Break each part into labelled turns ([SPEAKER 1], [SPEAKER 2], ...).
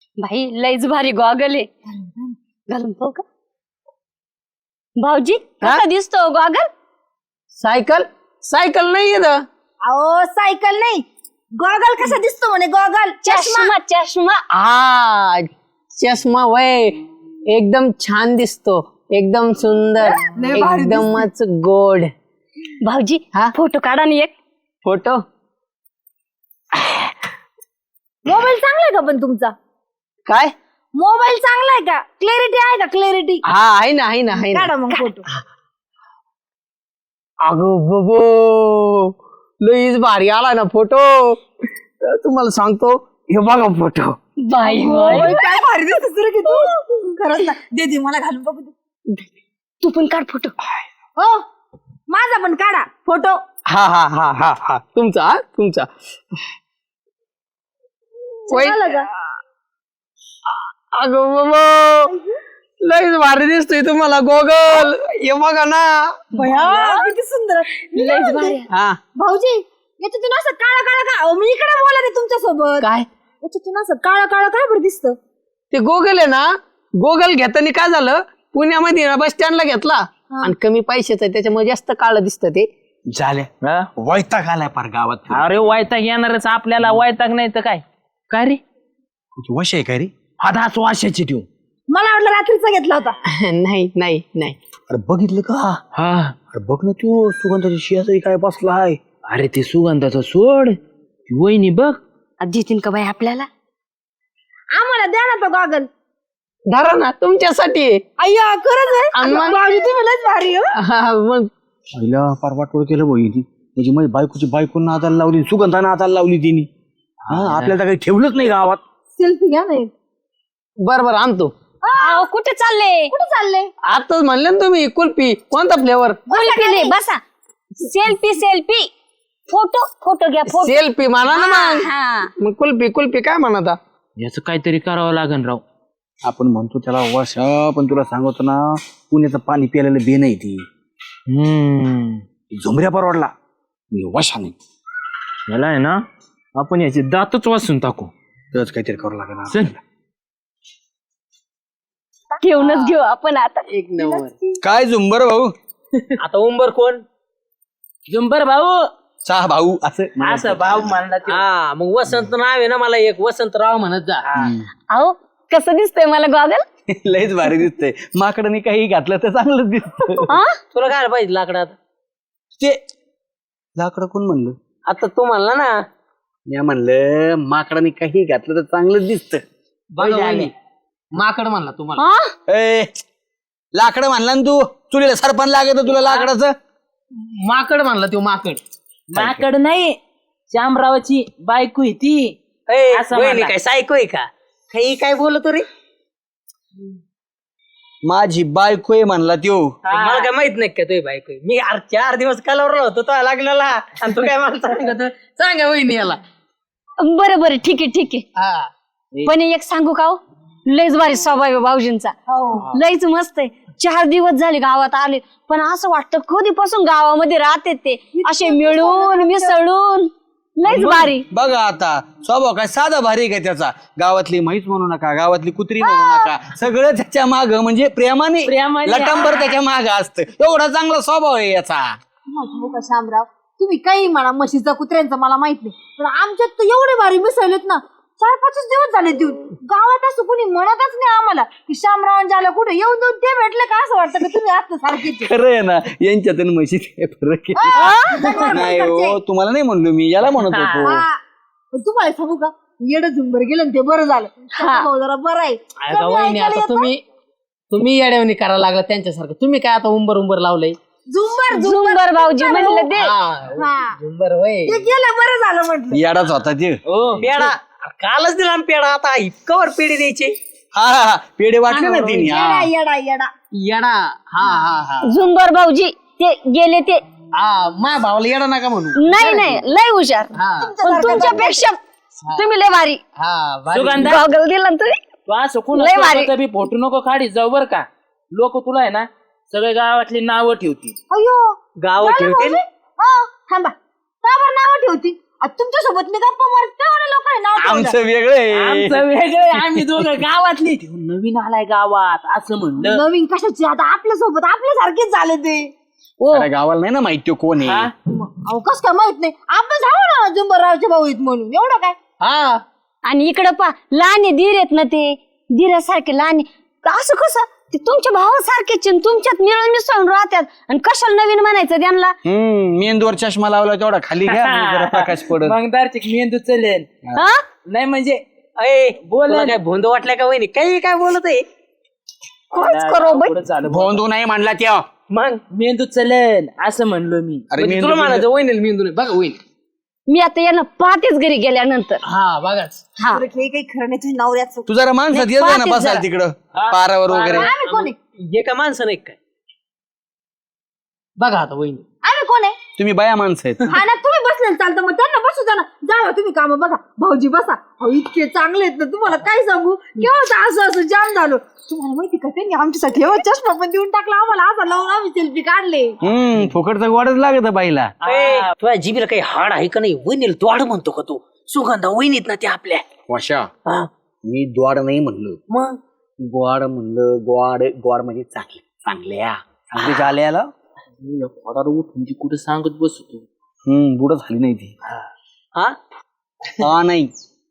[SPEAKER 1] भाई लयच भारी गॉगल आहे. घालून पाहू का भाऊजी? कसा दिसतो गॉगल?
[SPEAKER 2] सायकल सायकल नाही येत.
[SPEAKER 3] अहो सायकल नाही, गॉगल कसा दिसतो म्हणे गॉगल.
[SPEAKER 1] चष्मा चष्मा.
[SPEAKER 2] हा चष्मा वय एकदम छान दिसतो, एकदम सुंदर,
[SPEAKER 3] लय भारी
[SPEAKER 2] एकदमच गोड.
[SPEAKER 1] भाऊजी
[SPEAKER 2] हा?
[SPEAKER 1] फोटो काढा ना एक.
[SPEAKER 2] फोटो
[SPEAKER 3] मोबाईल चांगला आहे का पण तुमचा?
[SPEAKER 2] काय?
[SPEAKER 3] मोबाईल चांगला आहे का? क्लॅरिटी आहे का? क्लॅरिटी
[SPEAKER 2] हा आहे ना आहे ना आहे ना.
[SPEAKER 3] काढा मग फोटो.
[SPEAKER 2] अगो बबो लईच भारी आला ना फोटो. तुम्हाला सांगतो, हे बघा फोटो.
[SPEAKER 1] बाई
[SPEAKER 3] ओय, काय भारी दिसतोस रे की तू. खरंच ना, दे मला घालून बघू दे.
[SPEAKER 1] तू पण काढ फोटो.
[SPEAKER 3] हो माझा पण काढा फोटो.
[SPEAKER 2] हा हा हा हा हा तुमचा हा तुमचा.
[SPEAKER 3] झालं का?
[SPEAKER 2] अगो बाबा लईच भारी दिसतोय तुम्हाला गोगल. हे बघा ना.
[SPEAKER 3] भया किती सुंदर.
[SPEAKER 1] लयच भारी.
[SPEAKER 2] हा
[SPEAKER 3] भाऊजी याच्यातून असं काळा काळा का? अहो, मी इकडे बोलत आहे तुमच्या सोबत.
[SPEAKER 2] काय
[SPEAKER 3] याच्यातून असं काळा काळा काय बरं दिसतं?
[SPEAKER 2] ते गोगल आहे ना, गोगल घेताना काय झालं, पुण्यामध्ये ना बस स्टँडला घेतला आणि कमी पैशाचं आहे, त्याच्यामुळे जास्त काळं दिसतं ते.
[SPEAKER 4] झाल्या वैताग आलाय पार गावात.
[SPEAKER 5] अरे वैताग येणारच आपल्याला, वैताग नाही तर काय. काय रे
[SPEAKER 4] वश आहे काय रे?
[SPEAKER 5] आता असं वाशाची ठेव.
[SPEAKER 3] मला वाटलं रात्रीचा घेतला होता.
[SPEAKER 2] नाही नाही नाही.
[SPEAKER 4] अरे बघितलं का?
[SPEAKER 5] हा
[SPEAKER 4] अरे बघ ना तू सुगंधाची शेजारी काय बसलाय.
[SPEAKER 5] अरे ते सुगंधाचं सोड, ती वहिनी बघ.
[SPEAKER 1] देतीन का बाई आपल्याला?
[SPEAKER 3] आम्हाला द्या ना तो गॉगल.
[SPEAKER 2] धरा ना तुमच्यासाठी.
[SPEAKER 3] अय्या खरंच आहे.
[SPEAKER 2] आणि मग?
[SPEAKER 3] भाऊजी तुम्ही लयच भारी हो.
[SPEAKER 2] हा, मग
[SPEAKER 4] पहिला पार वाटोळ केलं बहिणी. त्याची माझी बायकोची बायको नादाला लावली, सुगंधा नादाला लावली तिने. हा आपल्याला काही ठेवलंच नाही गावात.
[SPEAKER 3] सेल्फी घ्या ना एक.
[SPEAKER 2] बरोबर आणतो.
[SPEAKER 1] अहो, कुठे चालले?
[SPEAKER 3] कुठे चालले?
[SPEAKER 2] आताच म्हणले ना तुम्ही कुल्फी. कोणता फ्लेवर?
[SPEAKER 1] कुल्फी नाही, बसा. Selfie selfie. फोटो फोटो घ्या फोटो.
[SPEAKER 2] सेल्फी म्हणा ना मग.
[SPEAKER 1] हा
[SPEAKER 2] मग कुल्फी कुल्फी काय म्हणता?
[SPEAKER 5] याचं काहीतरी करावं लागेल राव.
[SPEAKER 4] आपण म्हणतो त्याला वश, पण तुला सांगतो ना, पुण्याचं पाणी प्यायला बे नाही ती. झुमऱ्या परवडला वशा नाही.
[SPEAKER 5] याला आहे ना आपण याचे दातच वाचून टाकू.
[SPEAKER 4] तरच काहीतरी करावं लागेल.
[SPEAKER 5] चल
[SPEAKER 1] घेऊनच घेऊ आपण आता.
[SPEAKER 2] एक नंबर.
[SPEAKER 4] काय झुंबर भाऊ?
[SPEAKER 5] आता उंबर कोण? जुंबर भाऊ.
[SPEAKER 4] चहा भाऊ असं
[SPEAKER 5] असं भाऊ म्हणला ते.
[SPEAKER 2] हा मग वसंत नाव आहे ना, मला एक वसंतराव म्हणत जा.
[SPEAKER 1] अहो कसं दिसतंय मला गॉगल?
[SPEAKER 4] लयच भारी दिसतंय. माकडाने काही घातलं तर चांगलंच दिसत.
[SPEAKER 2] तुला काय पाहिजे लाकडात?
[SPEAKER 4] ते लाकडं कोण म्हणलं?
[SPEAKER 2] आता तू म्हणला ना.
[SPEAKER 4] मी म्हणलं माकडाने काही घातलं तर चांगलंच दिसत.
[SPEAKER 2] माकड म्हणला तुम्हाला.
[SPEAKER 1] हा?
[SPEAKER 4] लाकडं म्हणला ना तू. चुलीला सरपण लागत तुला लाकडाचं.
[SPEAKER 2] माकड म्हणला तो माकड.
[SPEAKER 5] माकड नाही, श्यामरावाची बायको आहे ती. असं
[SPEAKER 2] वहिनी
[SPEAKER 5] म्हणला.
[SPEAKER 2] काय सायको आहे का? काही काय बोलतो रे?
[SPEAKER 4] माझी बायको आहे म्हणला त्यो.
[SPEAKER 2] मला काय माहित नाही का तुझी बायको आहे? मी 4 दिवस कलवरला होतो तो लागलेला, आणि तू काय मला सांगत? सांगा वहिनी याला.
[SPEAKER 1] बरं बरं ठीक आहे ठीक आहे. पण एक सांगू का हो? लयच भारी स्वभाव आहे भाऊजींचा. लयच मस्त आहे. 4 दिवस झाले गावात आले, पण असं वाटतं कधीपासून गावामध्ये राहते ते असे मिळून मिसळून. लयच भारी.
[SPEAKER 4] बघा आता स्वभाव काय साधा भारी काय त्याचा. गावातली म्हैस म्हणू नका, गावातली कुत्री म्हणू नका, सगळं त्याच्या माग म्हणजे प्रेमाने लटंबर त्याच्या माग असतं. एवढा चांगला स्वभाव आहे याचा.
[SPEAKER 3] का शामराव, तुम्ही काही म्हणा म्हशीचा कुत्र्यांचा मला माहित नाही, पण आमच्यात तर एवढे भारी मिसळलेत ना. 4-5 दिवस झाले देऊन. गावात असं कुणी म्हणतच नाही आम्हाला की शामरावांच्या आला कुठे येऊन देऊन ते भेटले का. असं वाटतं की तुम्ही आता सारखेच.
[SPEAKER 4] खरं आहे ना, यांच्यात आणि म्हशीत काय फरक आहे? नाही हो, तुम्हाला नाही म्हणलो मी, याला म्हणत होतो.
[SPEAKER 3] पण तुम्हाला सांगू का, येडं झुंबर गेलं ना ते बरं झालं. भाऊ जरा बरं आहे. कमी
[SPEAKER 2] वहिनी
[SPEAKER 3] ऐकायला
[SPEAKER 2] आता
[SPEAKER 3] येतं.
[SPEAKER 2] तुम्ही येड्यावणी करायला लागला त्यांच्यासारखं. तुम्ही काय आता उंबर लावलंय?
[SPEAKER 3] झुंबर
[SPEAKER 1] झुंबर भाऊजी म्हणलं ते.
[SPEAKER 2] उंबर वय
[SPEAKER 3] ते गेलं बरं झालं म्हटलं.
[SPEAKER 4] याडाच होता ते.
[SPEAKER 2] पेडा कालच दिला ना पेडा. आता कवर पेढे द्यायचे?
[SPEAKER 4] हा पेढे वाटले ना तिने.
[SPEAKER 3] येडा येडा येडा.
[SPEAKER 2] येडा. हा
[SPEAKER 1] झुंबर भाऊजी ते गेले ते.
[SPEAKER 2] माझ्या भावाला येडा नका म्हणू.
[SPEAKER 1] नाही नाही लय हुशार. पण तुमच्यापेक्षा तुम्ही लय भारी.
[SPEAKER 5] सुगंधा
[SPEAKER 1] गॉगल दिला ना तुम्ही.
[SPEAKER 5] तू असं
[SPEAKER 1] लय भारी.
[SPEAKER 5] कोण बी फोटो नको काढी जाऊ बर का. लोक तुला आहे ना सगळे गावातली नावं ठेवतील.
[SPEAKER 3] अयो
[SPEAKER 2] गाव
[SPEAKER 3] झालं
[SPEAKER 2] ठेवतील.
[SPEAKER 3] भाऊजी? हो थांबा. का बरं नावं ठेवती? तुमच्या सोबत मी गप्पा मारते लोकांनी नाव ठेवलं.
[SPEAKER 4] आमचं वेगळं आहे.
[SPEAKER 5] आमचं वेगळं आम्ही दोघं गावातली तो नवीन आलाय गावात असं म्हणलं.
[SPEAKER 3] नवीन कशाची आता आपल्या सोबत आपल्यासारखेच झाले ते.
[SPEAKER 4] साऱ्या गावाला नाही ना माहिती कोण आहे.
[SPEAKER 3] अहो कस काय माहित नाही आपण जाऊ ना जुंबररावचे भाऊ आहेत म्हणून एवढं काय.
[SPEAKER 2] हा
[SPEAKER 1] आणि इकडं पा लहान आहे धीर आहेत ना ते धीरासारखे लहान आहे. असं कसं ते तुमच्या भावासारखेच आहे, तुमच्यात मिळून मिसळून राहतात आणि कशाला नवीन म्हणायचं त्यांना.
[SPEAKER 4] मेंदूवर चष्मा लावला तेवढा खाली घ्या म्हणजे जरा प्रकाश पडत.
[SPEAKER 5] मग दारचिक मेंदू चलेल.
[SPEAKER 1] हा
[SPEAKER 5] नाही म्हणजे अय बोल
[SPEAKER 2] काय भोंद वाटलं का वहिनी काही काय बोलत आहे.
[SPEAKER 1] काहीच करो बाई.
[SPEAKER 5] पुढं चालू
[SPEAKER 4] भोंदू नाही म्हणला त्या.
[SPEAKER 2] मग
[SPEAKER 5] मेंदू चलेल असं म्हणलो मी.
[SPEAKER 4] अरे
[SPEAKER 2] म्हणजे
[SPEAKER 4] मेंदू
[SPEAKER 2] तुला म्हणायचं वहिनी मेंदू नाही बघा वहिनी.
[SPEAKER 1] मी आता यांना पाहतेच घरी गेल्यानंतर.
[SPEAKER 2] हा बघाच
[SPEAKER 1] हा
[SPEAKER 3] हे काही खरं नाही तुझ्या नवऱ्याचं.
[SPEAKER 4] तू जरा माणसात
[SPEAKER 1] नाही,
[SPEAKER 4] येत जा ना
[SPEAKER 1] पाहतेच
[SPEAKER 4] बसाल
[SPEAKER 1] जरा.
[SPEAKER 4] तिकडं पारावर वगैरे.
[SPEAKER 3] आम्ही कोण आहे
[SPEAKER 2] हे का माणसं नाही काय बघा आता वहिनी.
[SPEAKER 3] आम्ही कोण आहे.
[SPEAKER 4] तुम्ही बाया माणसं आहेत.
[SPEAKER 3] हा ना तुम्ही बसले चालतं मग त्यांना बसू द्या ना. जावा तुम्ही काम बघा भाऊजी बसा. अहो इतके चांगले आहेत ना तुम्हाला काय सांगू केव्हा असं असं जाम झालो. तुम्हाला माहिती का त्यांनी आमच्यासाठी एवढा चष्मा पण देऊन टाकला आम्हाला असा लावून आम्ही सेल्फी काढले.
[SPEAKER 4] फुकटचं गोडच लागत बाईला.
[SPEAKER 2] तुझ्या जिबीला काही हाड आहे का नाही वहिनीला द्वाड म्हणतो का तू. सुगंधा वहिनीत ना ते आपल्या.
[SPEAKER 4] वशा
[SPEAKER 2] हा.
[SPEAKER 4] मी द्वाड नाही म्हणलो.
[SPEAKER 2] मग
[SPEAKER 4] गोड म्हणलं गोड गोड म्हणजे चांगले चांगल्या चांगली झाल्याला.
[SPEAKER 5] उठून ती कुठे सांगत बसतो.
[SPEAKER 4] बुड झाली नाही ती.
[SPEAKER 2] हा
[SPEAKER 4] हा नाही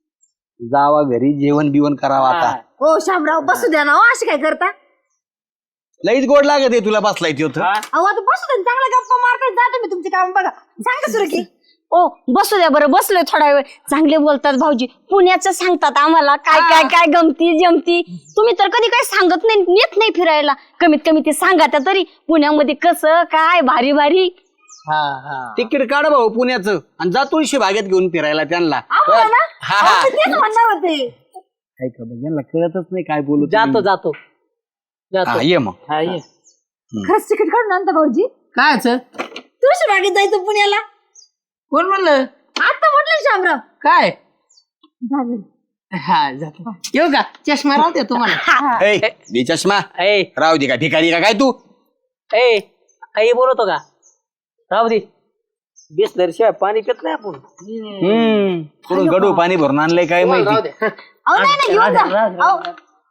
[SPEAKER 4] जावा घरी जेवण बिवण करावं आता.
[SPEAKER 3] हो शामराव बसू द्या ना हो असे काय करता.
[SPEAKER 4] लईच गोड लागत आहे तुला बसलाय ते होतं.
[SPEAKER 3] अहो आता बसू द्या ना, चांगला गप्पा मारताय जा तुम्ही तुमचे काम बघा. सांगा सुरू की
[SPEAKER 1] ओ बसू द्या बरं बसलोय थोडा वेळ. चांगले बोलतात भाऊजी पुण्याचं सांगतात आम्हाला काय काय काय गमती जमती. तुम्ही तर कधी काही सांगत नाही येत नाही फिरायला. कमीत कमी ते सांगा त्या तरी पुण्यामध्ये कसं काय भारी भारी.
[SPEAKER 2] हा हा
[SPEAKER 4] तिकीट काढ भाऊ पुण्याचं आणि जा तुळशी बागेत घेऊन फिरायला त्यांना.
[SPEAKER 3] आम्हाला ना
[SPEAKER 4] हा,
[SPEAKER 3] अहो,
[SPEAKER 4] हा.
[SPEAKER 3] मी तेच म्हणणार होते.
[SPEAKER 4] काय खबर यांना कळतच नाही काय बोलू.
[SPEAKER 2] जातो जातो
[SPEAKER 4] हा, ये मग.
[SPEAKER 5] हा ये.
[SPEAKER 3] खरंच तिकीट काढून आणता भाऊजी.
[SPEAKER 2] कायच
[SPEAKER 3] तुळशी बागेत जायचं पुण्याला.
[SPEAKER 2] कोण म्हणलं
[SPEAKER 3] आता म्हटलं शामराव.
[SPEAKER 2] काय
[SPEAKER 3] झालं.
[SPEAKER 2] हा जातो येऊ का चष्मा राहते तुम्हाला.
[SPEAKER 4] ए, दे चष्मा
[SPEAKER 2] ए
[SPEAKER 4] राहू दे का भिकारी का काय तू.
[SPEAKER 2] ए काही बोलतो का राहू दे. बिसलर शिवाय पाणी पित नाही आपण.
[SPEAKER 4] कुठून गडू पाणी भरून आणलंय काय
[SPEAKER 2] राहू
[SPEAKER 4] माहिती.
[SPEAKER 2] दे.
[SPEAKER 3] अहो नाही नाही घेऊन जा. अहो,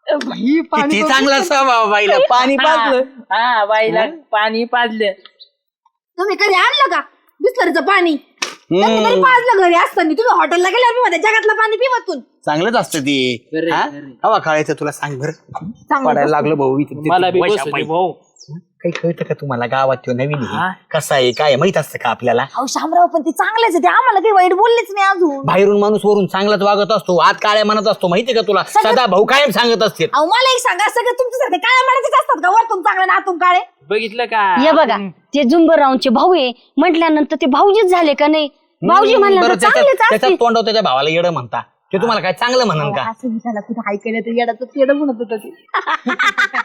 [SPEAKER 4] किती चांगला स्वभाव बाईला पाणी पाजलं.
[SPEAKER 5] हा बाईला पाणी पाजलं.
[SPEAKER 3] तुम्ही कधी आणलं का बिस्लरीचं पाणी. त्यांनी तरी पाजलं घरी असताना. तुम्ही हॉटेलला गेल्यावर मी म्हणते जगातलं पाणी पिवतून.
[SPEAKER 4] चांगलंच असतं ते.
[SPEAKER 5] बरं,
[SPEAKER 4] हा?
[SPEAKER 5] बरं.
[SPEAKER 4] हवा काढायचं तुला सांग बरं. पडायला लागलं भाऊ इथे.
[SPEAKER 5] मला बी
[SPEAKER 4] वैशा
[SPEAKER 5] बसू दे
[SPEAKER 4] बाई.
[SPEAKER 5] भाऊ.
[SPEAKER 4] काही कळतं का तुम्हाला गावात तो नवीन
[SPEAKER 5] हा.
[SPEAKER 4] आहे कसा आहे काय आहे, माहित असतं का आपल्याला.
[SPEAKER 3] अहो शामराव पण ते चांगलेच आहे. ते आम्हाला काही वाईट बोललेच नाही अजून.
[SPEAKER 4] बाहेरून माणूस वरून चांगलाच वागत असतो आत काळ्या म्हणत असतो माहितीये का तुला. सदा भाऊ कायम सांगत असते.
[SPEAKER 3] अहो मला एक सांगा सगळे तुमच्यासारखे काळ्या माणसाचे असतात का वरतून चांगले ना आतून काळे.
[SPEAKER 5] बघितलं का.
[SPEAKER 1] हे बघा ते जुंबरावचे भाऊ आहे म्हटल्यानंतर ते भाऊजीच झाले का नाही. भाऊजी
[SPEAKER 4] बरं,
[SPEAKER 1] म्हणल्यानंतर चांगलेच
[SPEAKER 4] त्याच्यात
[SPEAKER 1] असतील.
[SPEAKER 4] तोंडावर त्याच्या भावाला येडं म्हणता ते तुम्हाला काय चांगलं म्हणन का.
[SPEAKER 3] असं मी त्याला कुठे हाय केलं तर येडाचं तेड म्हणत होतं ते.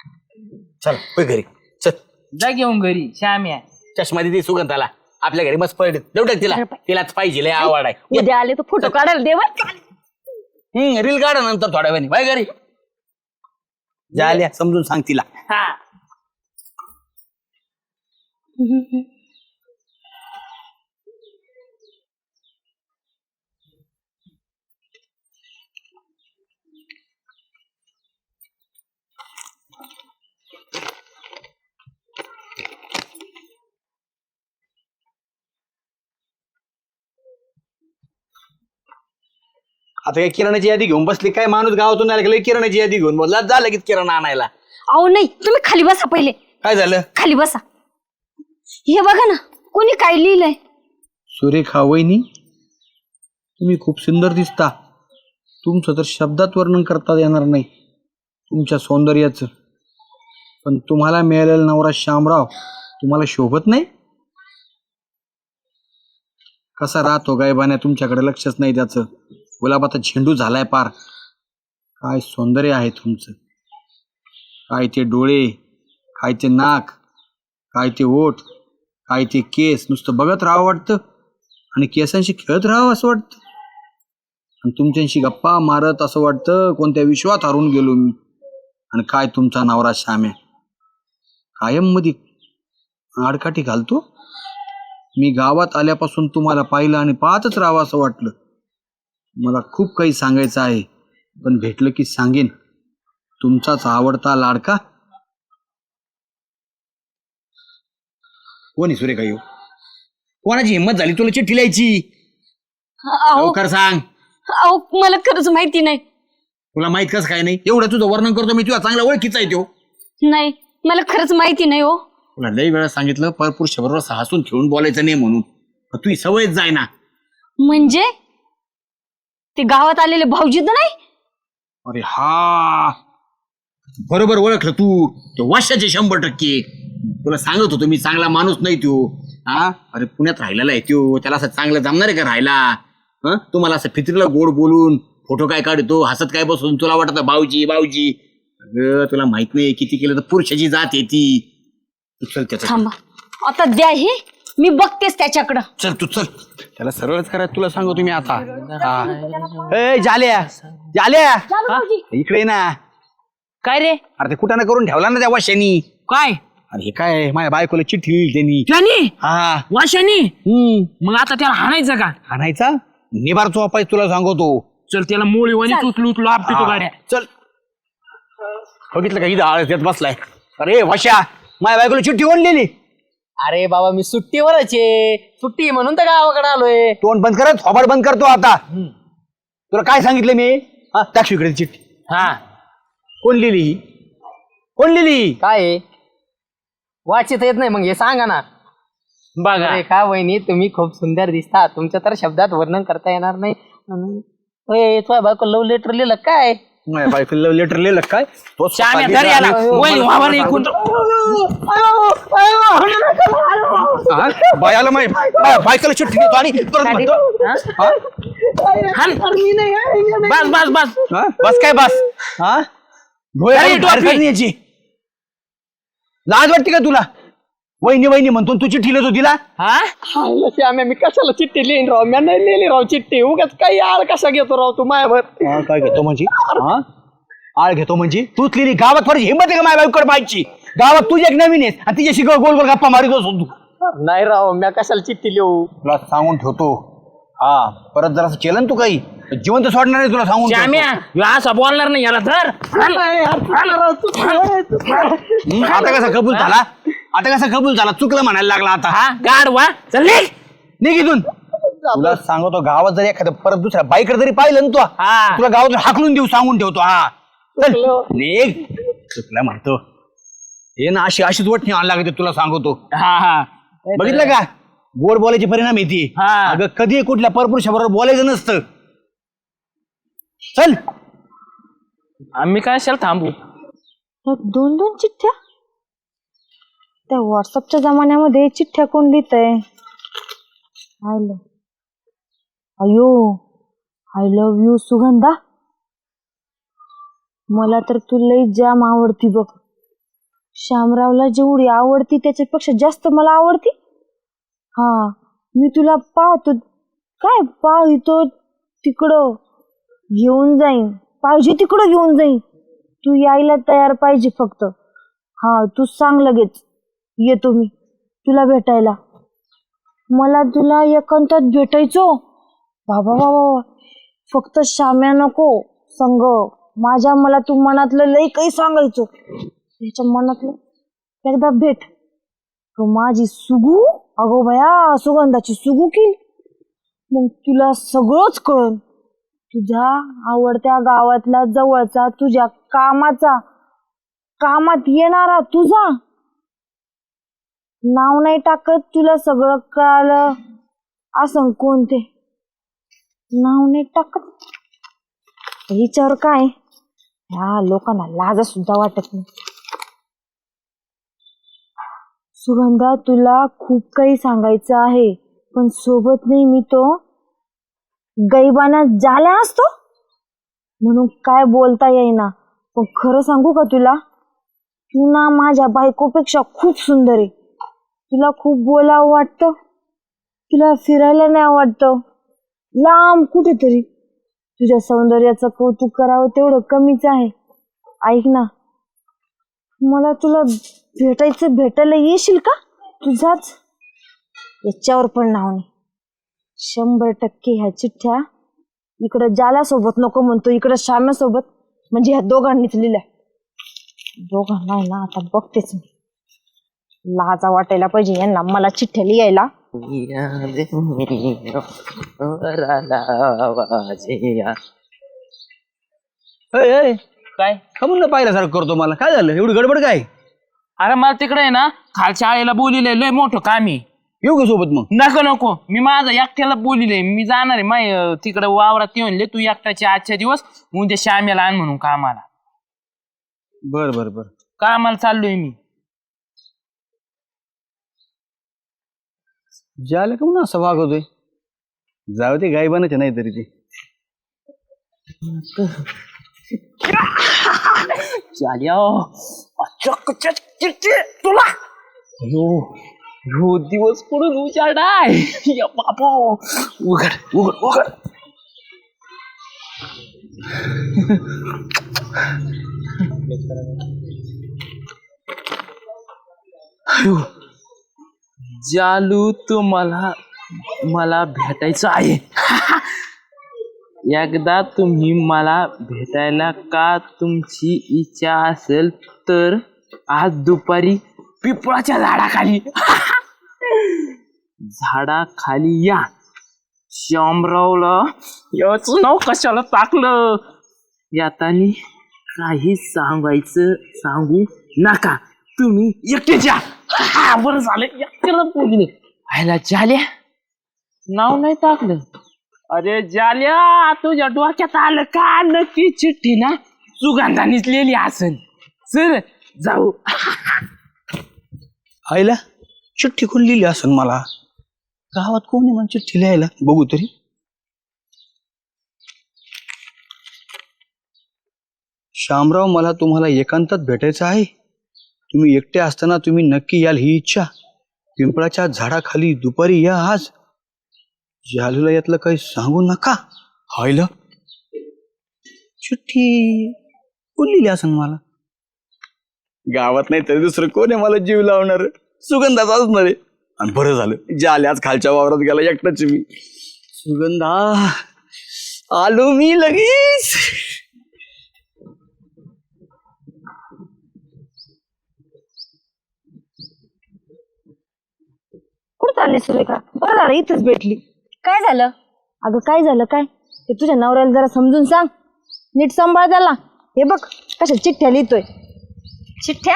[SPEAKER 4] चल होय घरी चल.
[SPEAKER 5] जा घेऊन घरी श्याम्या.
[SPEAKER 4] चष्मा दिदी सुगंधाला आपल्या घरी मस्त पडले तेवढं तिला तिलाच पाहिजे लय आवड आहे.
[SPEAKER 1] उद्या आले तर फोटो काढायला दे बरं.
[SPEAKER 4] रील काढा नंतर थोड्या वेळाने बाय घरी झाल्या समजून सांग तिला.
[SPEAKER 5] हा
[SPEAKER 4] आता काय किराणाची यादी घेऊन बसली काय माणूस गावातून आला की किराणाची यादी घेऊन बोलला जा लगेच किराणा आणायला.
[SPEAKER 1] अहो नाही तुम्ही खाली बसा पहिले.
[SPEAKER 4] काय झालं.
[SPEAKER 1] खाली बसा. हे बघा ना कोणी काय लिहिलंय.
[SPEAKER 4] सुरेखा वहिनी तुम्ही खूप सुंदर दिसता. तुमचं तर शब्दात वर्णन करता येणार नाही तुमच्या सौंदर्याचं. पण तुम्हाला मिळालेला नवरा शामराव तुम्हाला शोभत नाही. कसा राहतो गायबाने तुमच्याकडे लक्षच नाही त्याचं. गुलाबाचा झेंडू झालाय पार. काय सौंदर्य आहे तुमचं. काय ते डोळे काय ते नाक काय ते ओठ काय ते केस नुसतं बघत राहावं वाटतं आणि केसांशी खेळत राहावं असं वाटतं आणि तुमच्याशी गप्पा मारत असं वाटतं कोणत्या विश्वात हरून गेलो मी. आणि काय तुमचा नवरा श्याम्या कायम मध्ये आडकाठी घालतो. मी गावात आल्यापासून तुम्हाला पाहिलं आणि पाहतच राहावं असं वाटलं. मला खूप काही सांगायचं आहे, पण भेटलं की सांगेन. तुमचाच आवडता लाडका. कोणी सुरेखा येऊ? कोणाची हिंमत झाली तुला चिठ्ठी लिहायची?
[SPEAKER 1] अहो
[SPEAKER 4] लवकर सांग.
[SPEAKER 1] अहो मला खरंच माहिती नाही.
[SPEAKER 4] तुला माहित कसं काय नाही? एवढं तुझं वर्णन करतो मी, तुझा चांगला ओळखीचा आहे तो.
[SPEAKER 1] नाही मला खरंच माहिती नाही हो.
[SPEAKER 4] तुला लई वेळा सांगितलं परपुरुषाबरोबर हसून खेळून बोलायचं नाही म्हणून, पण तुझी सवयच जाय ना.
[SPEAKER 1] म्हणजे ते गावात आलेले भाऊजी तर नाही?
[SPEAKER 4] अरे हा, बरोबर ओळखलं तू. तो वर्षाचे 100%. तुला सांगत होतो मी, चांगला माणूस नाही तो. हा, अरे पुण्यात राहिलेला आहे तो, त्याला असं चांगलं जमणार आहे का राहायला? हं, तुम्हाला असं फित्रीला गोड बोलून फोटो काय काढतो, हसत काय बसून तुला वाटत भाऊजी भाऊजी. अगं तुला माहित नाही, किती केलं तर पुरुषाची जात आहे ती. तू चल त्याच्या,
[SPEAKER 1] थांबा आता द्या हे, मी बघतेस त्याच्याकडं.
[SPEAKER 4] चल तू चल, त्याला सरळच करायचं तुला सांगतो मी आता. हा. ए जाल्या जाल्या, इकडे ये ना.
[SPEAKER 5] काय रे?
[SPEAKER 4] अरे ते कुठं करून ठेवला ना त्या वाशानी.
[SPEAKER 5] काय
[SPEAKER 4] अरे हे काय, माझ्या बायकोला चिठ्ठी लिहिली त्यांनी.
[SPEAKER 5] त्यानी
[SPEAKER 4] हा.
[SPEAKER 5] वाशानी? मग आता त्याला हाणायचं का?
[SPEAKER 4] आणायचा निबार चोपाय तुला सांगतो.
[SPEAKER 5] चल त्याला मोळी वाणी उचलू उचलू आपटतो गाड्या.
[SPEAKER 4] चल, बघितलं का इथं आळस येत बसलाय. अरे वाशा, माझ्या बायकोला चिठ्ठी कोण लिहिली?
[SPEAKER 2] अरे बाबा मी सुट्टीवरच आहे, सुट्टी म्हणून तर गावाकडे आलोय.
[SPEAKER 4] तोंड बंद करत, थोबाड बंद करतो आता. तुला काय सांगितलं मी? हा, टाक इकडे चिठ्ठी.
[SPEAKER 5] हा
[SPEAKER 4] कोण लिहिली? कोण लिहिली?
[SPEAKER 2] काय वाचित येत नाही मग हे सांगा ना.
[SPEAKER 5] बघा
[SPEAKER 2] अरे का वहिनी, तुम्ही खूप सुंदर दिसता, तुमचं तर शब्दात वर्णन करता येणार नाही. तुझ्या बायको लव्ह लेटर लिहिलं काय?
[SPEAKER 4] माझ्या बायकोला लव्ह लेटर लिहिलं काय? तो स्वतः
[SPEAKER 5] श्याम्या,
[SPEAKER 4] लिहिलं
[SPEAKER 5] धर याला.
[SPEAKER 4] आणि
[SPEAKER 5] वहिनी,
[SPEAKER 4] मला
[SPEAKER 5] वावर ऐकून.
[SPEAKER 4] हा? बायाला बायकोला चिठ्ठी देतो आणि परत म्हणतो, हा?
[SPEAKER 5] हाण. बस बस बस.
[SPEAKER 4] हा? बस काय बस? हा? डोळे
[SPEAKER 5] अरे,
[SPEAKER 4] काढून बाहेर
[SPEAKER 5] टोपी.
[SPEAKER 4] काढून यायची. लाज वाटते का तुला? वहिनी वहिनी म्हणतो तू चिठ्ठी लिहितो तिला?
[SPEAKER 5] हा
[SPEAKER 2] श्याम्या, मी कशाला चिठ्ठी लिहिन राव? मी नाही लिहिली राव चिठ्ठी. उगाच काही आळ कसा घेतो राव तू मायावर?
[SPEAKER 4] हा, काय घेतो म्हणजे? हा? आळ घेतो म्हणजे? तूच लिहिली? गावात थोडी हिंमत आहे का माझ्या बायकोकडे पाहायची? गावात तुझी एक नवीन आहेस आणि तिच्याशी गोल गोल गप्पा मारित असतो तू.
[SPEAKER 2] नाही राव, मी कशाला चिठ्ठी लिहू?
[SPEAKER 4] तुला सांगून ठेवतो, हा परत जरा केलं ना तू काही, जिवंत सोडणार नाही तुला सांगून ठेवतो.
[SPEAKER 5] श्याम्या, ह्यो असा बोलणार नाही याला. धर हाण.
[SPEAKER 4] आता कसा कबूल झाला? आता कसा कबूल झाला? चुकलं म्हणायला लागला आता.
[SPEAKER 5] हा गाढवा. चल निघ.
[SPEAKER 4] निघ इथून. तुला सांगतो, गावात जरी एखादं परत दुसऱ्या बाईकडे जरी पाहिलं ना तू,
[SPEAKER 5] हा.
[SPEAKER 4] तुला गावातून हाकलून देऊ सांगून ठेवतो. हा चल, निघ. चुकलं म्हणतो हे ना, अशीच वटणी आण लागते तुला सांगतो.
[SPEAKER 5] हा हा
[SPEAKER 4] बघितलं का, गोड बोलायचे परिणाम येते.
[SPEAKER 5] हा.
[SPEAKER 4] अगं कधी कुठल्या परपुरुषाबरोबर बोलायचं नसतं. चल.
[SPEAKER 5] आम्ही काय असेल थांबू.
[SPEAKER 1] ह्या 2-2 चिठ्ठ्या? त्या व्हॉट्सअपच्या जमान्यामध्ये चिठ्ठ्या कोण लिहितंय? अयो, आय लव्ह यू सुगंधा. मला तर तू लई जाम आवडती बघ. श्यामरावला जेवढी आवडती त्याच्यापेक्षा जास्त मला आवडती. हा, मी तुला पाहतो, काय पाहतो तिकडं घेऊन जाईन, पाहिजे तिकडं घेऊन जाईन. तू यायला तयार पाहिजे फक्त. हा, तू सांग लगेच येतो मी तुला भेटायला. मला तुला एकांतात भेटायचो. बाबा बाबा, फक्त श्याम्या नको संग माझ्या. मला तू मनातलं लई काही सांगायचो. त्याच्या मनातलं एकदा भेट. माझी सुगू, अगो भया, सुगंधाची सुगू केली. मग तुला सगळंच कळन. तुझ्या आवडत्या गावातला जवळचा, तुझ्या कामाचा, कामात येणारा तुझा. नाव नाही टाकत, तुला सगळं कळालं असं कोणते नाव नाही टाकत. हिच्यावर काय, ह्या लोकांना लाज सुद्धा वाटत नाही. सुगंधा, तुला खूप काही सांगायचं आहे, पण सोबत नाही मी तो गैबाना झाला असतो म्हणून काय बोलता येईना. पण खरं सांगू का तुला, तू ना माझ्या बायकोपेक्षा खूप सुंदर आहे. तुला खूप बोलावं वाटतं, तुला फिरायला नाही वाटतं, लांब कुठेतरी. तुझ्या सौंदर्याचं कौतुक करावं तेवढं कमीच आहे. ऐक ना, मला तुला भेटायला येशील का? तुझाच
[SPEAKER 3] याच्यावर पण नाव नाही. 100% ह्या चिठ्ठ्या इकडं जाला सोबत नको म्हणतो, इकडं श्याम्या सोबत, म्हणजे ह्या दोघांनीच लिहिल्या. दोघांना आहे ना आता बघतेच मी. लाजा वाटायला पाहिजे यांना मला चिठ्ठ्या लिहायला.
[SPEAKER 5] काय
[SPEAKER 4] का म्हणलं पाहिल्यासारखं करतो मला? काय झालं एवढी गडबड काय?
[SPEAKER 5] अरे मला तिकडे आहे ना खालच्या आईला बोलिले लय मोठं काम आहे.
[SPEAKER 4] येऊ का सोबत मग?
[SPEAKER 5] नको नको, मी माझा एकट्याला बोलिले, मी जाणार आहे माय तिकडे वावरात येऊन तू एकट्याचे आजच्या दिवस उद्या श्यामेला आण म्हणून कामाला.
[SPEAKER 4] बर बर बर.
[SPEAKER 5] कामाला चाललोय मी.
[SPEAKER 4] ज्याला का म्हणून असं वागवतोय? जाऊ ते गायबानच नाही तरी ते.
[SPEAKER 5] तुला ह्यो दिवस पडून उजाडाय. या बाबा उघड उघड उघड. जालू तुम्हाला मला भेटायचं आहे. एकदा तुम्ही मला भेटायला का तुमची इच्छा असेल तर आज दुपारी पिपळाच्या झाडाखाली झाडाखाली या. श्यामरावला याचं नाव कशाला टाकलं? यातानी काही सांगू नका, तुम्ही एकटेच या. बरं झालं एकट्याला बोलले. आयला जाल्या नाव नाही टाकलं. अरे जाल्या तुझ्या डोक्यात आलं का? नक्की चिठ्ठी ना सुगंधानीच लिहिली असेल. चल जाऊ.
[SPEAKER 4] आईला चिठ्ठी कोण लिहिली असेल? मला गावात कोण आहे मला चिठ्ठी लिहायला? बघू तरी. श्यामराव, मला तुम्हाला एकांतात भेटायचं आहे. तुम्ही एकटे असताना तुम्ही नक्की याल ही इच्छा. पिंपळाच्या झाडाखाली दुपारी या आज. जालूला यातलं काही सांगू नका. हायला चिठ्ठी कोण लिहिली असेल मला? गावात नाही तरी दुसरं कोण आहे मला जीव लावणार? सुगंधाच असणार आहे. आणि बरं झालं जाल्याच खालच्या वावरात गेला एकटाच मी. सुगंधा आलो मी लगेच.
[SPEAKER 3] कुठं चालली सुरेखा? बरं झालं इथंच भेटली.
[SPEAKER 1] काय झालं?
[SPEAKER 3] अगं काय झालं काय ते तुझ्या नवऱ्याला जरा समजून सांग. नीट सांभाळ त्याला. हे बघ कशा चिठ्ठ्या लिहितोय.
[SPEAKER 1] चिठ्ठ्या?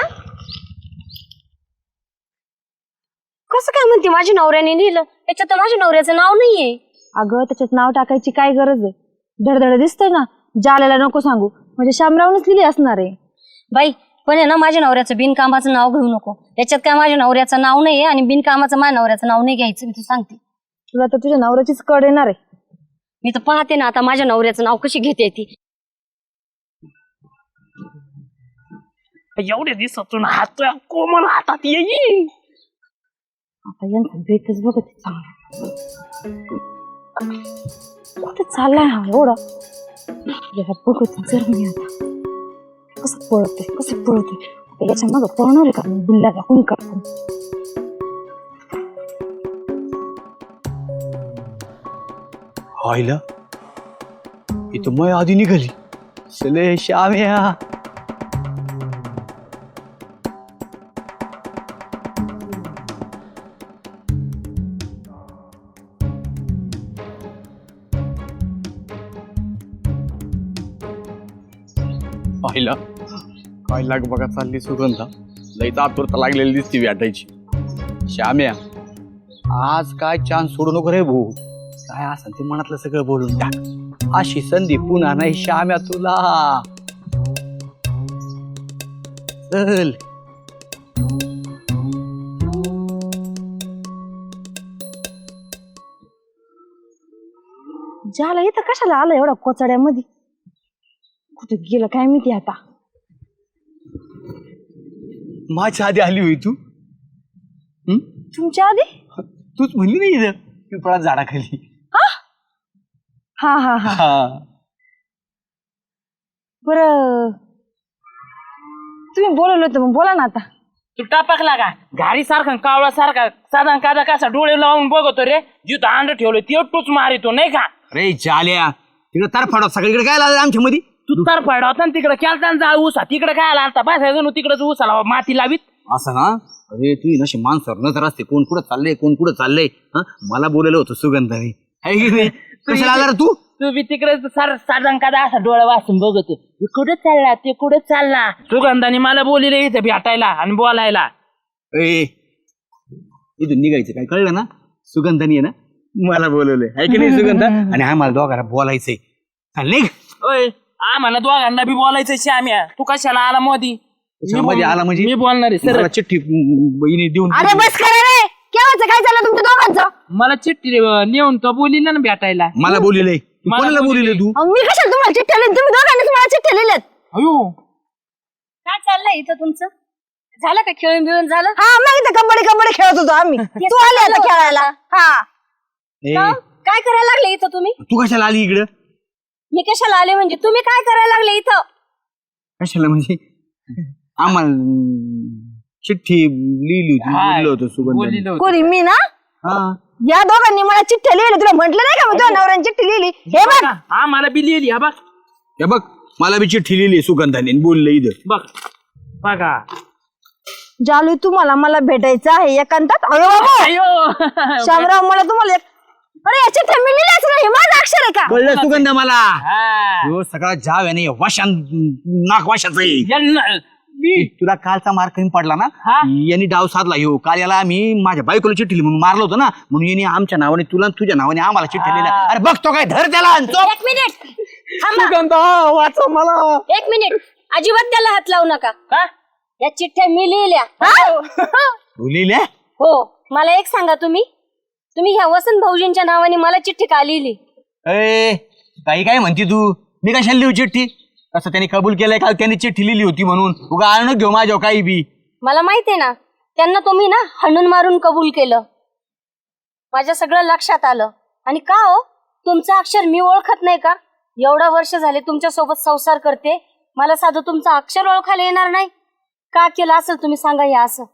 [SPEAKER 1] कसं काय म्हणते माझ्या नवऱ्याने लिहिलं? त्याच्यात तर माझ्या नवऱ्याचं नाव नाहीये.
[SPEAKER 3] अगं त्याच्यात नाव टाकायची काय गरज आहे? धडधड दिसतंय ना. जाल्याला नको सांगू, म्हणजे श्यामरावनेच लिहिली असणार आहे.
[SPEAKER 1] बाई पण आहे ना माझ्या नवऱ्याचं बिनकामाचं नाव घेऊ नको. त्याच्यात काय माझ्या नवऱ्याचं नाव नाहीये आणि बिनकामाचं माझ्या नवऱ्याचं नाव नाही घ्यायचं. मी तू सांगते.
[SPEAKER 3] तुला तर तुझ्या नवऱ्याचीच कड येणार आहे.
[SPEAKER 1] मी तर पाहते ना आता माझ्या नवऱ्याचं नाव कशी घेते ती.
[SPEAKER 5] एवढ्या दिवसातून हात कोमल हातात येईल.
[SPEAKER 3] आता यांचा बेतच बघत आहे चांगला. कुठे चाललाय हा एवढा? याला बघत जर मी आता कसं पळते. याच्या मागं पळणार आहे का मी? बिल्लाला कोणी करतो?
[SPEAKER 4] हायला इथं मय आधी निघाली. चले श्याम्या. पाहिला काय लाग बघा चालली सुगंधा. लईच आतुरता लागलेली दिसती भेटायची. श्याम्या आज काय चान्स सोडू नको रे भाऊ. काय असं ते मनातलं सगळं बोलून टाक. अशी संधी पुन्हा नाही श्याम्या तुला. चल.
[SPEAKER 3] ज्याला इथं कशाला आलं एवढा कोचड्यामध्ये? कुठे गेलं काय माहिती आता.
[SPEAKER 4] माझ्या आधी आली होई तू?
[SPEAKER 3] तुमच्या आधी?
[SPEAKER 4] तूच म्हणली नाही इथं पिपळात झाडाखाली.
[SPEAKER 3] हा हा हा बरं तुम्ही बोलवलं होतं मग बोला ना आता.
[SPEAKER 5] तू टापकला का घारी सारखा कावळा सारखा साधा कादा कसा डोळे लावून बघतो रे जिथं अंड ठेवलं ते टूच मारितो नाही का
[SPEAKER 4] अरे चाल्या तिकडे तरफाडा सगळीकडे काय लागलं आमच्या मध्ये
[SPEAKER 5] तू तर फाडा होता ना तिकडे केलता जा ऊसा तिकडे काय आला आता बसायचं तिकडे ऊसाला माती लावीत
[SPEAKER 4] असं ना अरे तू नशी माणसावर नजर असते कोण कुठं चाललंय कोण कुठं चाललंय हा मला बोलायला होतं सुगंधाने है की नाही कशाला आला रे तू
[SPEAKER 5] तू बी तिकडे साधा कादा असा डोळा वाचून बघतो हे कुठे चालला ते कुठे चालला सुगंधाने मला बोलिले इथे भेटायला आणि बोलायला
[SPEAKER 4] ए इथून निघायचं काय कळलं ना सुगंधानी आहे ना मला बोलवलंय है की नाही सुगंधा आणि आम्हाला दोघांना बोलायचंय चल निघ
[SPEAKER 5] ओय आम्हाला दोघांना बी बोलायचं श्याम्या तू कशाला आला मोदी
[SPEAKER 4] मध्ये आला म्हणजे
[SPEAKER 5] मी बोलणार आहे सर
[SPEAKER 4] मला चिठ्ठी बहिणी देऊन
[SPEAKER 1] अरे बस करा रे केव्हाच काय झालं तुमच्या दोघांचं
[SPEAKER 5] मला चिठ्ठी नेऊन तो बोलिला ना भेटायला
[SPEAKER 4] मला बोललेलंय कोणाला बोललेलं तू
[SPEAKER 1] अहो, मी कशाला तुम्हाला चिठ्ठ्या लिहिली तुम्ही दोघांनीच मला चिठ्ठ्या लिहिल्यात
[SPEAKER 5] अयो
[SPEAKER 1] काय चाललंय इथं तुमचं झालं का खेळून बिळून झालं हा मग इथं कबड्डी खेळत होतो आम्ही तू आले आता खेळायला हा
[SPEAKER 4] ए,
[SPEAKER 1] काय करायला लागले इथं तुम्ही
[SPEAKER 4] तू कशाला आली इकडं
[SPEAKER 1] मी कशाला आले म्हणजे तुम्ही काय करायला लागले इथं
[SPEAKER 4] कशाला म्हणजे आम्हाला चिठ्ठी लिहिली होती
[SPEAKER 5] हा,
[SPEAKER 4] बोललो होतो सुगंधाने
[SPEAKER 5] बोलिलं होतं.
[SPEAKER 1] कोणी मी ना
[SPEAKER 4] हा
[SPEAKER 1] या दोघांनी मला चिठ्ठ्या लिहिली तुला म्हटलं नाही का मी तुझ्या नवऱ्याने चिठ्ठी लिहिली हे बघ
[SPEAKER 5] आम्हाला बी लिहिली हा बघ
[SPEAKER 4] हे बघ मला बी चिठ्ठी लिहिली सुगंधाने बोललं इथं
[SPEAKER 5] बघ बघा
[SPEAKER 1] जालू तुम्हाला मला भेटायचं आहे एकांतात अरे बाबा
[SPEAKER 5] अयो
[SPEAKER 1] शामराव मला तुम्हाला अरे या चिठ्ठ्या मी लिहिल्याच नाही हे माझं अक्षर आहे का
[SPEAKER 4] कळलं सुगंधा मला
[SPEAKER 5] हा.
[SPEAKER 4] ह्यो सगळा जाव आहे ना वाशान नाक वाशाच आहे
[SPEAKER 5] यांना- मी-
[SPEAKER 4] तुला कालचा मार कमी पडला ना
[SPEAKER 5] हा?
[SPEAKER 4] यांनी डाव साधला ह्यो काल याला आम्ही माझ्या बायकोला चिठ्ठी लिहिली म्हणून मारलं होतं ना म्हणून यांनी आमच्या नावाने तुला आणि तुझ्या नावाने आम्हाला चिठ्ठी लिहिल्या अरे बघतो काय धर त्याला आणि चोप.
[SPEAKER 1] एक मिनिट थांबा.
[SPEAKER 2] सुगंधा वाचा मला
[SPEAKER 1] एक मिनिट अजिबात त्याला हात लावू नका
[SPEAKER 5] का?
[SPEAKER 1] या चिठ्ठ्या मी लिहिल्या
[SPEAKER 4] तू लिहिल्या
[SPEAKER 1] हो मला एक सांगा तुम्ही ह्या वसंत भाऊजींच्या नावाने मला चिठ्ठी का लिहिली
[SPEAKER 4] ए काही काय म्हणती तू मी कशाला लिहू चिठ्ठी कसं त्यांनी कबूल केलंय काल त्यांनी चिठ्ठी लिहिली होती म्हणून उगा आणून घेऊ माझ्या काही बी
[SPEAKER 1] मला माहितीये ना त्यांना तुम्ही ना हाणून मारून कबूल केलं माझ्या सगळं लक्षात आलं आणि का हो तुमचं अक्षर मी ओळखत नाही का एवढा वर्ष झाले तुमच्या सोबत संसार करते मला साधं तुमचं अक्षर ओळखायला येणार नाही का केलं असेल तुम्ही सांगा या असं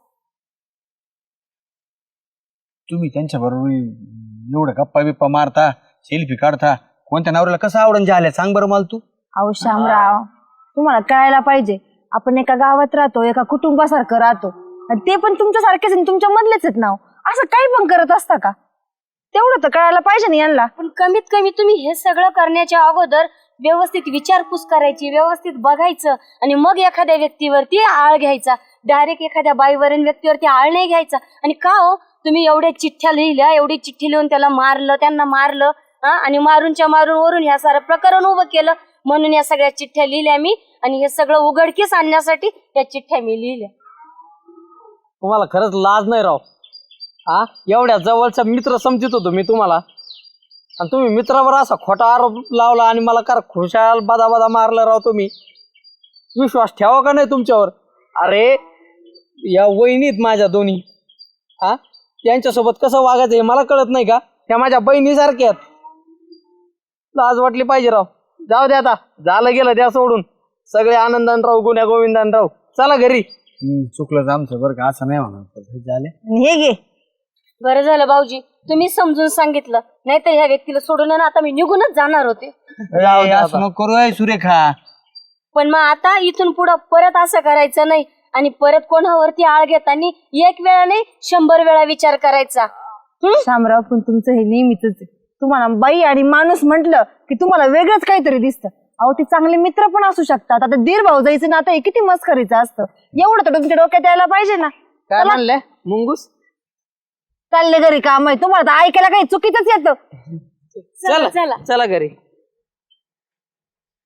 [SPEAKER 4] तुम्ही त्यांच्या बरोबर एवढं गप्पा बिप्पा मारता सेल्फी काढता कोणत्या नवऱ्याला कसं आवडून झाल्या सांग बरं मला तू
[SPEAKER 1] अहो शामराव तुम्हाला कळायला पाहिजे आपण एका गावात राहतो एका कुटुंबासारखं राहतो आणि ते पण तुमच्यासारखेच आणि तुमच्या मधलेच आहेत नाव असं काही पण करत असता का तेवढं तर कळायला पाहिजे ना यांना पण कमीत कमी तुम्ही हे सगळं करण्याच्या अगोदर व्यवस्थित विचारपूस करायची व्यवस्थित बघायचं आणि मग एखाद्या व्यक्तीवरती आळ घ्यायचा डायरेक्ट एखाद्या बाईवर व्यक्तीवरती आळ नाही घ्यायचा आणि का हो तुम्ही एवढ्या चिठ्ठ्या लिहिल्या एवढी चिठ्ठी लिहून त्याला मारलं त्यांना मारलं आणि मारून वरून ह्या सारं प्रकरण उभं केलं म्हणून या सगळ्या चिठ्ठ्या लिहिल्या मी आणि हे सगळं उघडकीस आणण्यासाठी या चिठ्ठ्या मी लिहिल्या
[SPEAKER 2] तुम्हाला खरंच लाज नाही राव हा एवढ्या जवळचा मित्र समजत होतो मी तुम्हाला आणि तुम्ही मित्रावर असा खोटा आरोप लावला आणि मला कार खुशाल बादा मारला राव तुम्ही विश्वास ठेवा का नाही तुमच्यावर अरे या वहिनीत माझ्या दोन्ही हा यांच्यासोबत कसं वागायचं हे मला कळत नाही का त्या माझ्या बहिणीसारख्या आहेत लाज वाटली पाहिजे राव जाऊ दे आता झालं गेलं द्या सोडून सगळे आनंदान राव गुन्ह्या गोविंदान राव चला घरी
[SPEAKER 4] चुकलं आमचं बरं का असं नाही म्हणा झाले
[SPEAKER 1] हे घे बरं झालं भाऊजी तुम्ही समजून सांगितलं नाहीतर ह्या व्यक्तीला सोडून ना आता मी निघूनच जाणार होते
[SPEAKER 4] असं नको करू आहे सुरेखा
[SPEAKER 1] पण मग आता इथून पुढं परत असं करायचं नाही आणि परत कोणावरती आळ घेताना एक वेळा नाही 100 वेळा विचार करायचा शामराव पण तुमचं हे नेहमीच आहे तुम्हाला बाई आणि माणूस म्हटलं की तुम्हाला वेगळंच काहीतरी दिसतं अहो ते चांगले मित्र पण असू शकतात आता दीर भाऊ जायचं ना आता हे किती मस्करीचं असतं एवढं तर तुमच्या डोक्यात यायला पाहिजे ना
[SPEAKER 2] काय म्हणले मुंगूस
[SPEAKER 1] चालले घरी काम आहे तुम्हाला तर ऐकायला काही चुकीचंच येतं
[SPEAKER 2] चला चला घरी